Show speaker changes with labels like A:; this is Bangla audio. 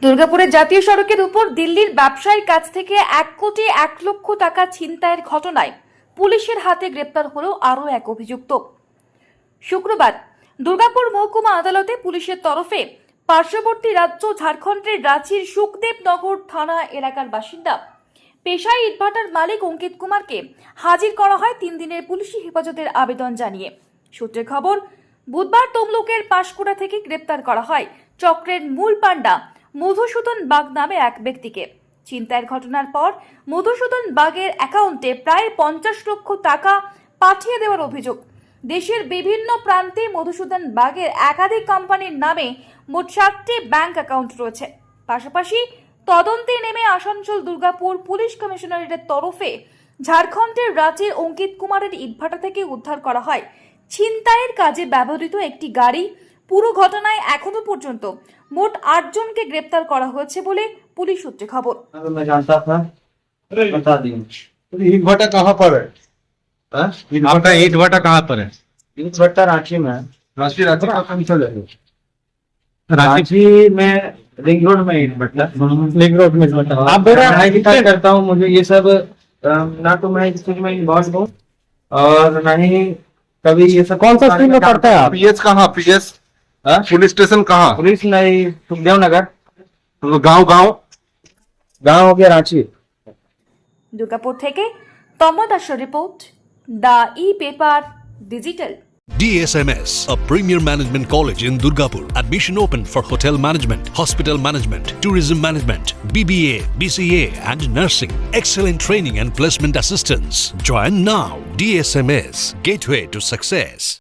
A: দুর্গাপুরের জাতীয় সড়কের উপর দিল্লির ব্যবসায়ীর কাছ থেকে 1,01,00,000 টাকা ছিনতাইয়ের ঘটনায় পুলিশের হাতে গ্রেপ্তার হলো আরও এক অভিযুক্ত। শুক্রবার দুর্গাপুর মহকুমা আদালতে পুলিশের তরফে পার্শ্ববর্তী রাজ্য ঝাড়খণ্ডের রাঁচির সুখদেবনগর থানা এলাকার বাসিন্দা পেশায় ইটভাটার মালিক অঙ্কিত কুমারকে হাজির করা হয় 3 দিনের পুলিশি হেফাজতের আবেদন জানিয়ে। সূত্রে খবর, বুধবার তমলুকের পাঁশকুড়া থেকে গ্রেপ্তার করা হয় চক্রের মূল পাণ্ডা মধুসূদন বাগ নামে এক ব্যক্তিকে। ছিনতাইয়ের ঘটনার পর মধুসূদন বাগের অ্যাকাউন্টে প্রায় 50 লক্ষ টাকা পাঠিয়ে দেওয়ার অভিযোগ। দেশের বিভিন্ন প্রান্তে মধুসূদন বাগের একাধিক কোম্পানির নামে মোট 7টি ব্যাংক অ্যাকাউন্ট রয়েছে। পাশাপাশি তদন্তে নেমে আসানসোল দুর্গাপুর পুলিশ কমিশনারেটের তরফে ঝাড়খণ্ডের রাঁচির অঙ্কিত কুমারের ইটভাটা থেকে উদ্ধার করা হয় ছিনতাইয়ের কাজে ব্যবহৃত একটি গাড়ি। পুরো ঘটনায় এখনো পর্যন্ত মোট 8 জনকে গ্রেপ্তার করা হয়েছে বলে পুলিশ সূত্রে খবর।
B: मैं जानता था, बता दी।
C: ईट भट्टा कहाँ पर है?
B: हाँ?
C: आपका ईट भट्टा कहाँ पर है?
B: ईट भट्टा रांची में है।
C: रांची रांची कहाँ चले रांची
B: रांची में रिंग रोड में ईट भट्टा।
C: लिंक रोड में ईट भट्टा।
B: आप
C: आप मेरा
B: मैं भी कार्य करता हूँ, मुझे ये सब ना तो मैं इस चीज में इन्वॉल्व हूँ और ना ही कभी ये सब।
C: कौन सा स्ट्रीम में पढ़ता है आप?
D: पीएस कहाँ? पीएस पुलिस स्टेशन कहाँ?
B: पुलिस नहीं, सुखदेव नगर
D: गांव गांव
B: गाँव हो गया रांची।
A: দুর্গাপুর থেকে তমা দাসের report, the e paper digital.
E: DSMS, a premier management college in Durgapur. Admission open for hotel management, hospital management, tourism management, BBA, BCA and nursing. Excellent training and placement assistance. Join now. DSMS, gateway to success.